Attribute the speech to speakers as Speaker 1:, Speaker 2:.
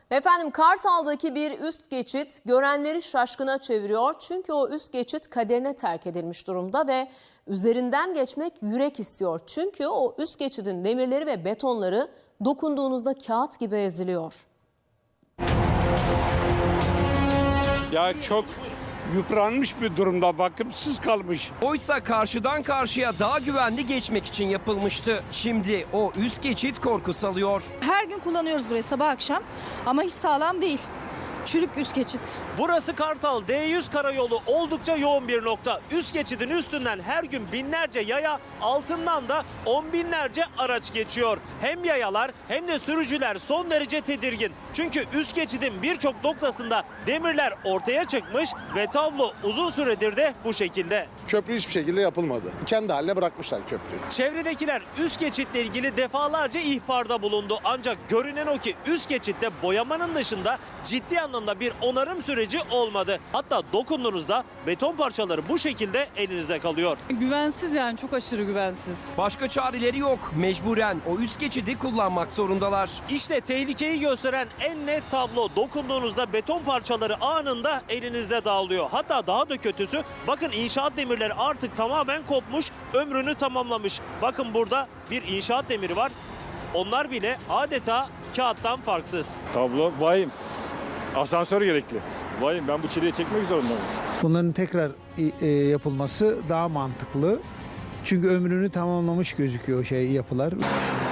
Speaker 1: Efendim Kartal'daki bir üst geçit görenleri şaşkına çeviriyor. Çünkü o üst geçit kaderine terk edilmiş durumda ve üzerinden geçmek yürek istiyor. Çünkü o üst geçidin demirleri ve betonları dokunduğunuzda kağıt gibi eziliyor.
Speaker 2: Ya çok yıpranmış bir durumda, bakımsız kalmış.
Speaker 3: Oysa karşıdan karşıya daha güvenli geçmek için yapılmıştı. Şimdi o üst geçit korku salıyor.
Speaker 4: Her gün kullanıyoruz burayı sabah akşam ama hiç sağlam değil. Çürük üst geçit.
Speaker 5: Burası Kartal D100 karayolu, oldukça yoğun bir nokta. Üst geçidin üstünden her gün binlerce yaya, altından da on binlerce araç geçiyor. Hem yayalar hem de sürücüler son derece tedirgin. Çünkü üst geçidin birçok noktasında demirler ortaya çıkmış ve tablo uzun süredir de bu şekilde.
Speaker 6: Köprü hiçbir şekilde yapılmadı. Kendi haline bırakmışlar köprüyü.
Speaker 5: Çevredekiler üst geçitle ilgili defalarca ihbarda bulundu. Ancak görünen o ki üst geçitte boyamanın dışında ciddi anlamda bir onarım süreci olmadı. Hatta dokunduğunuzda beton parçaları bu şekilde elinizde kalıyor.
Speaker 7: Güvensiz, yani çok aşırı güvensiz.
Speaker 3: Başka çareleri yok. Mecburen o üst geçidi kullanmak zorundalar.
Speaker 5: İşte tehlikeyi gösteren en net tablo. Dokunduğunuzda beton parçaları anında elinizde dağılıyor. Hatta daha da kötüsü, bakın inşaat demirleri artık tamamen kopmuş, ömrünü tamamlamış. Bakın burada bir inşaat demiri var. Onlar bile adeta kağıttan farksız.
Speaker 2: Tablo vahim. Asansör gerekli. Vahim, ben bu çileyi çekmek zorundayım.
Speaker 8: Bunların tekrar yapılması daha mantıklı. Çünkü ömrünü tamamlamış gözüküyor yapılar.